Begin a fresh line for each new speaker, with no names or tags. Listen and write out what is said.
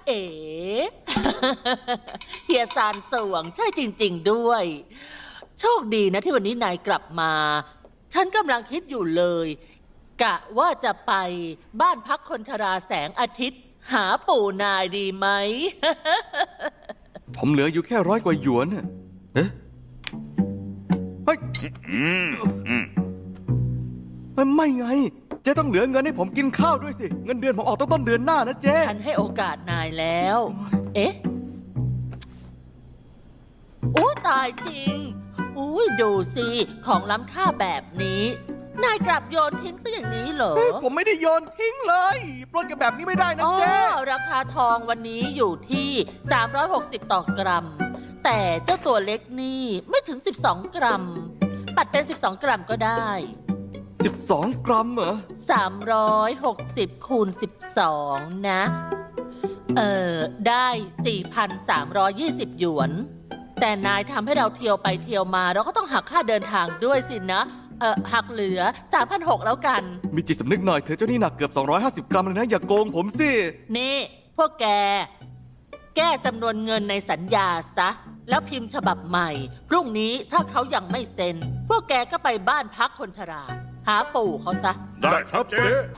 เอ๋ เฮียซานสวงใช่จริงๆด้วย โชคดีนะที่วันนี้นายกลับมา ฉันกำลังคิดอยู่เลย กะว่าจะไปบ้านพักคนชราแสงอาทิตย์ หาปู่นายดีไหม
ผมเหลืออยู่แค่100 กว่าหยวนน่ะเอ๊ะเฮ้ยไม่ไง เจ๊ต้องเหลือเงินให้ผมกินข้าวด้วยสิ เงินเดือนผมออกต้นเดือนหน้านะเจ๊
ฉันให้โอกาสนายแล้ว เอ๊ะโอ้ตายจริงอุ้ยดูสิ ของล้ำค่าแบบนี้ นายกลับโยนทิ้งซะอย่างนี้เหรอ
ผมไม่ได้โยนทิ้งเลยปล้นกันแบบนี้ไม่ได้นะ
อ๋อ
เจ๊
ราคาทองวันนี้อยู่ที่360ต่อกรัม แต่เจ้าตัวเล็กนี่ไม่ถึง12กรัม ปัดเป็น12กรัมก็ได้
12 กรัมเหรอ
360คูณ12นะได้ 4,320 หยวน แต่นายทำให้เราเที่ยวไปเที่ยวมาเราก็ต้องหักค่าเดินทางด้วยสินะ หักเหลือ 3,600 แล้วกัน
มีจิตสำนึกหน่อยเธอเจ้านี่หนักเกือบ250 กรัมเลยนะ อย่าโกงผมสิ
นี่ พวกแก แก้จำนวนเงินในสัญญาซะ แล้วพิมพ์ฉบับใหม่ พรุ่งนี้ถ้าเขายังไม่เซ็น พวกแกก็ไปบ้านพักคนชรา หาปู่เขาซะ
ได้ครับเจ๊